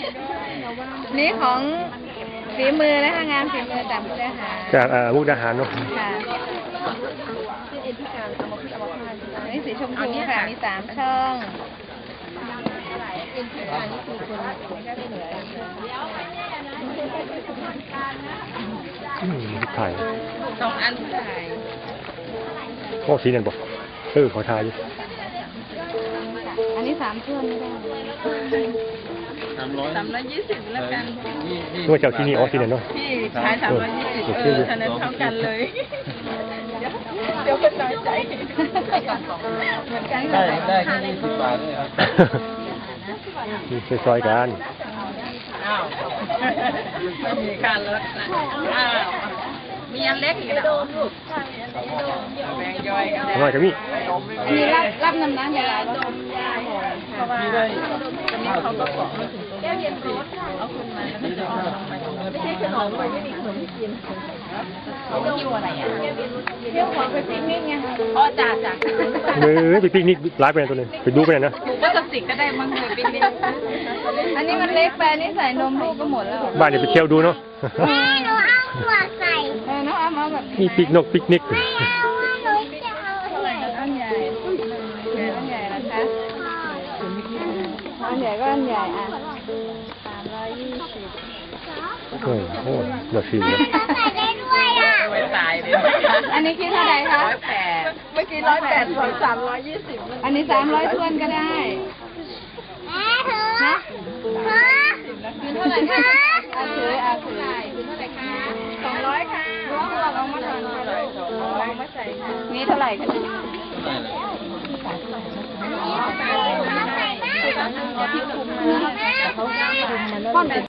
นี่ของฝีมือนะคะงานฝีมือจากมุกดาหารจากมุกดาหารเนาะค่ะนี่สีชมพูค่ะมี3 ช่องถ่าย 2 อันถ่ายโอ้สีนั่นบอกขอทายอยู่อันนี้3 ช่วงไม่ได้320แล้วกันว่าเจ้าที่นี่อ๋อสีนั่นเนาะพี่ใช้320ฉะนั้นเท่ากันเลยเดี๋ยวเป็นน้อยใจเหมือนกันได้แค่20 บาทด้วยครับมีซอยกันอ้าวไม่มีการลดนะอ้าวมีอันเล็กอีกนะแบ่งย่อยกันน้อยก็มีอันนี้รับน้ำน้ำยาดมยาเพราะว่าตอนนี้เขาก็เกาะมาถึงตรงนี้เอาขึ้นมาแล้วก็จะเอาลงไปตรงนี้ไม่ใช่ขนมเลยไม่มีขนมกินเขาหิ้วอะไรอ่ะเที่ยวของไปปิกนิกไงอ๋อจ่าไปปิกนิกร้านไปไหนตัวนึงไปดูไปไหนนะหมูก็สติกก็ได้มั้งเลยปิกนิกอันนี้มันเล็กไปนี่ใส่นมลูกก็หมดแล้วบ้านเดี๋ยวไปเที่ยวดูเนาะแม่หนูเอาหัวใส่น้องเอาแบบมีปิกนิกไม่เอาหนูจะเอาใหญ่อันใหญ่อันใหญ่นะคะอันใหญ่ก็อันใหญ่อ่ะ320 โอ้โหเดือดสีเลยใส่ได้ด้วยอ่ะไม่ตายเลยอันนี้คิดเท่าไหร่คะ108เมื่อกี้108ส่วน320อันนี้300ทวนก็ได้แม่เธอนะเธอคืนเท่าไหร่คะอาถือคืนเท่าไหร่คะ200ค่ะลองมาถอนลองมาใส่ค่ะนี่เท่าไหร่คะนี่ใส่ได้ที่คุมนะเขาคุมมัน